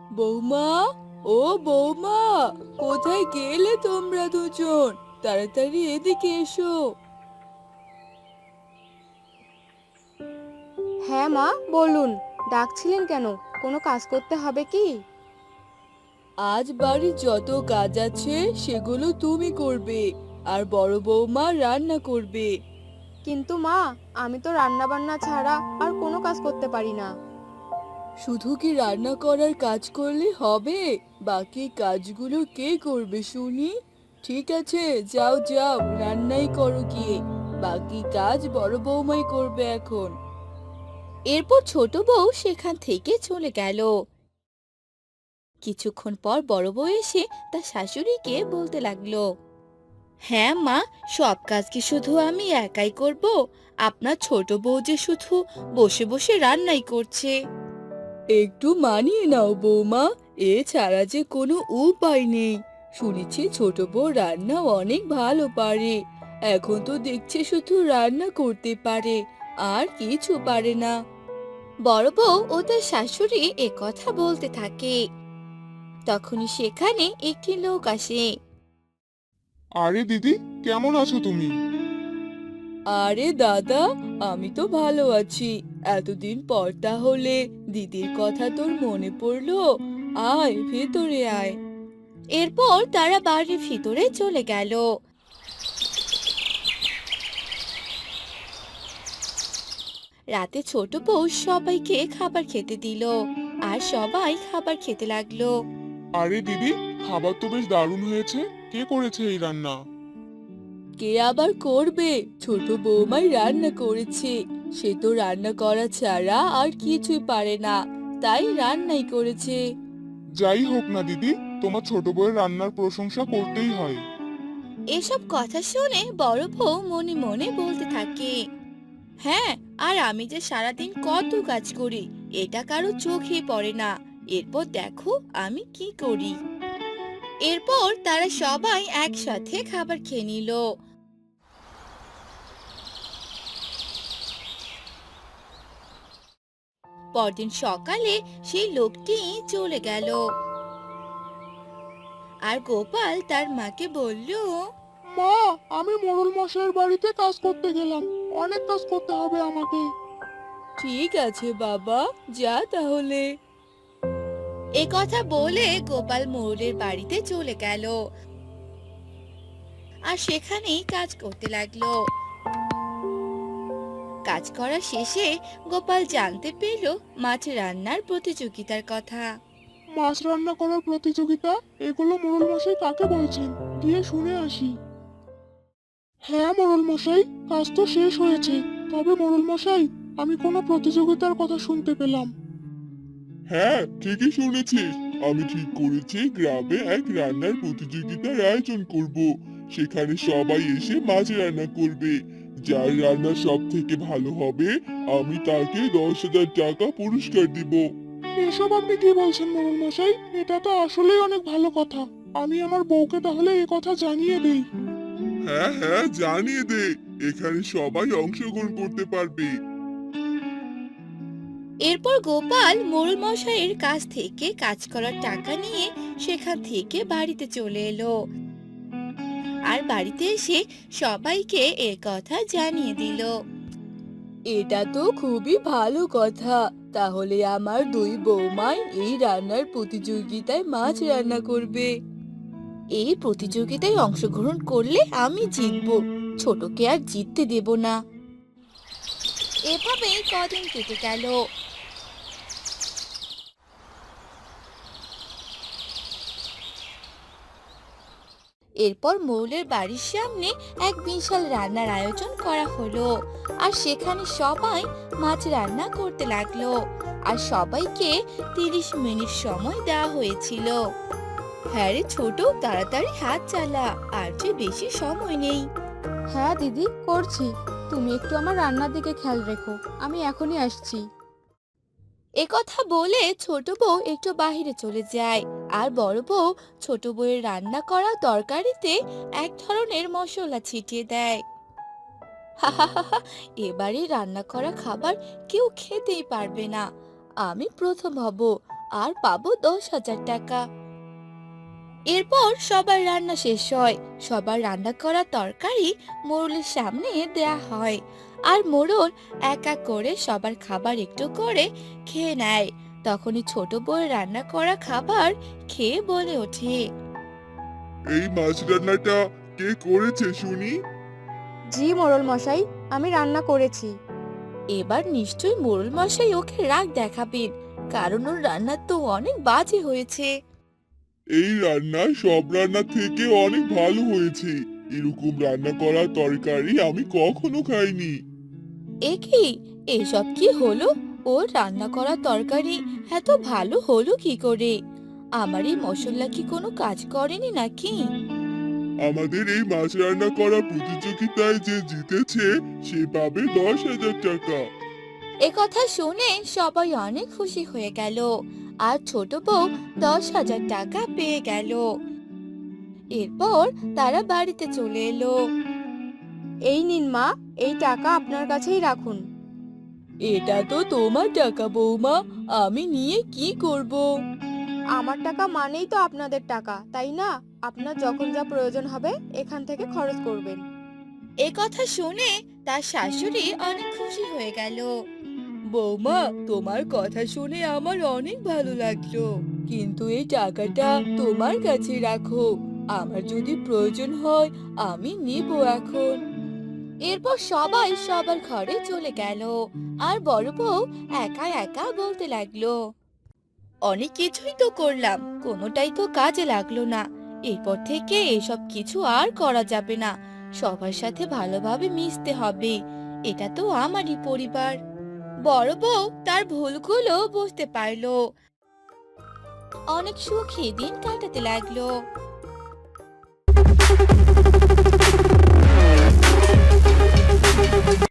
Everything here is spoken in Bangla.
বৌমা, ও বৌমা, কোথায় গেলে তোমরা দুজন? তাড়াতাড়ি এদিকে এসো। হ্যাঁ মা, বলুন। ডাকছিলেন কেন? কোনো কাজ করতে হবে কি? আজ বাড়ির যত কাজ আছে সেগুলো তুমি করবে, আর বড় বৌমা রান্না করবে। কিন্তু মা, আমি তো রান্না বান্না ছাড়া আর কোনো কাজ করতে পারি না। শুধু কি রান্না করার কাজ করলে হবে? বাকি কাজগুলো কে করবে শুনি? ঠিক আছে, যাও যাও, রান্নাই করো গিয়ে। বাকি কাজ বড় বৌমাই করবে এখন। এরপর ছোট বউ সেখান থেকে চলে গেল। কিছুক্ষণ পর বড় বউ এসে তার শাশুড়িকে বলতে লাগলো, হ্যাঁ মা, সব কাজ কি শুধু আমি একাই করব? আপনার ছোট বউ যে শুধু বসে বসে রান্নাই করছে। একটু মানিয়ে নাও বৌমা, এছাড়া যে কোনো উপায় নেই। শুনেছি ছোট বউ রান্না অনেক ভালো পারে। এখন তো দেখছি শুধু রান্না করতে পারে, আর কিছু পারে না। বড় বউ ও তার শাশুড়ি এ কথা বলতে থাকে। তখনই সেখানে একটি লোক আসে। আরে দিদি, কেমন আছো তুমি? আরে দাদা, আমি তো ভালো আছি। এতদিন পর তাহলে দিদির কথা তোর মনে পড়লো? আয়, ভেতরে আয়। এরপর তারা বাড়ির ভিতরে চলে গেল। রাতে ছোট বউ সবাইকে খাবার খেতে দিল, আর সবাই খাবার খেতে লাগলো। আরে দিদি, খাবার তো বেশ দারুণ হয়েছে। কে করেছে এই রান্না? কে আবার করবে? ছোট বৌমাই রান্না করেছে। সে তো রান্না করা ছাড়া আর কিছুই পারে না, তাই রান্নাই করেছে। যাই হোক না দিদি, তোমার ছোট বউয়ের রান্নার প্রশংসা করতেই হয়। এসব কথা শুনে বড় বউ মনে মনে বলতে থাকে, হ্যাঁ, আর আমি যে সারাদিন কত কাজ করি, এটা কারো চোখে পড়ে না। এরপর দেখো আমি কি করি। এরপর তারা সবাই একসাথে খাবার খেয়ে নিল। পরদিন সকালে সেই লোকটি চলে গেল, আর গোপাল তার মাকে বলল, মা, আমি মোড়ল মশাইয়ের বাড়িতে কাজ করতে গেলাম। অনেক কাজ করতে হবে আমাকে। ঠিক আছে বাবা, যা তাহলে। এ কথা বলে গোপাল মোড়লের বাড়িতে চলে গেল, আর সেখানেই কাজ করতে লাগলো। কাজ করা শেষে গোপাল জানতে পেল মাছ রান্নার প্রতিযোগিতার কথা। মাছ রান্না করার প্রতিযোগিতা? এগুলো মোড়ল মশাই কাকে বলছেন? গিয়ে শুনে আসি। হ্যাঁ মোড়ল মশাই, কাজ তো শেষ হয়েছে। তবে মোড়ল মশাই, আমি কোনো প্রতিযোগিতার কথা শুনতে পেলাম। হ্যাঁ, ঠিকই শুনেছিস। আমি ঠিক করেছি গ্রামে এক রান্নার প্রতিযোগিতার আয়োজন করব। সেখানে সবাই এসে মাছ রান্না করবে। যার রান্না সব থেকে ভালো হবে, আমি তাকে 10,000 টাকা পুরস্কার দিব। এসব আপনি কি বলছেন মোড়ল মশাই? এটা তো আসলেই অনেক ভালো কথা। আমি আমার বউকে তাহলে এ কথা জানিয়ে দেই। হ্যাঁ হ্যাঁ, জানিয়ে দে। এখানে সবাই অংশগ্রহণ করতে পারবে। এরপর গোপাল মোড়ল মশাইয়ের কাছ থেকে কাজ করার টাকা নিয়ে সেখান থেকে বাড়িতে চলে এলো, আর বাড়িতে এসে সবাইকে এ কথা জানিয়ে দিল। এটা তো খুবই ভালো কথা। তাহলে আমার দুই বৌমাই এই রান্নার প্রতিযোগিতায় মাছ রান্না করবে। এই প্রতিযোগিতায় অংশগ্রহণ করলে আমি জিতবো, ছোটকে আর জিততে দেব না। এভাবেই কদিন কেটে গেল। এরপর মৌলের বাড়ির সামনে এক বিশাল রান্নার আয়োজন করা হলো, আর সেখানে সবাই মাছ রান্না করতে লাগলো, আর সবাইকে 30 মিনিট সময় দেওয়া হয়েছিল। হ্যাঁ রে ছোট, তাড়াতাড়ি হাত চালা, আর যে বেশি সময় নেই। হ্যাঁ দিদি, করছি। তুমি একটু আমার রান্নার দিকে খেয়াল রেখো, আমি এখনই আসছি। এ কথা বলে ছোট বউ একটু বাহিরে চলে যায়, আর বড় বউ ছোট বউয়ের রান্না করা তরকারিতে এক ধরনের মশলা ছিটিয়ে দেয়। হাহাহাহা, এবারে রান্না করা খাবার কেউ খেতেই পারবে না। আমি প্রথম হব, আর পাবো 10,000 টাকা। এরপর সবার রান্না শেষ হয়। সবার রান্না করা তরকারি মোড়লের সামনে দেয়া হয়, আর মোড়ল এক এক করে সবার খাবার একটু করে খেয়ে নেয়। তখনই ছোট বউয়ের রান্না করা খাবার খেয়ে বলে ওঠে, এই মাছ রান্নাটা কে করেছে শুনি? জি মোড়ল মশাই, আমি রান্না করেছি। এবার নিশ্চয়ই মোড়ল মশাই ওকে রাগ দেখাবেন, কারণ ওর রান্না তো অনেক বাজে হয়েছে। এই রান্না সব রান্না থেকে অনেক ভালো হয়েছে। এরকম রান্না করা তরকারি আমি কখনো খাইনি। এ কি, এসব কি হলো? ওর রান্না করা তরকারি এত ভালো হলো কি করে? আমার এই মশলা কি কোনো কাজ করেনি নাকি? আমাদের এই মাছ রান্না করা প্রতিযোগিতায় যে জিতেছে সে পাবে 10,000 টাকা। এ কথা শুনে সবাই অনেক খুশি হয়ে গেল, আর ছোট বউ 10,000 টাকা পেয়ে গেল। এরপর তারা বাড়িতে চলে এলো। এই নিন মা, এই টাকা আপনার কাছেই রাখুন। এটা তো তোমার টাকা বৌমা, আমি নিয়ে কি করব? আমার টাকা মানেই তো আপনাদের টাকা, তাই না? আপনার যখন যা প্রয়োজন হবে এখান থেকে খরচ করবেন। এ কথা শুনে তার শাশুড়ি অনেক খুশি হয়ে গেল। বৌমা, তোমার কথা শুনে আমার অনেক ভালো লাগলো, কিন্তু এই টাকাটা তোমার কাছে রাখো। আমার যদি প্রয়োজন হয় আমি নিব এখন। এরপর সবাই সবার ঘরে চলে গেল, আর বড় বউ একা একা বলতে লাগলো, অনেক কিছুই তো করলাম, কোনোটাই তো কাজে লাগলো না। এরপর থেকে এসব কিছু আর করা যাবে না। সবার সাথে ভালোভাবে মিশতে হবে, এটা তো আমারই পরিবার। বড় বউ তার ভুলগুলো বুঝতে পারলো, অনেক সুখী দিন কাটাতে লাগলো।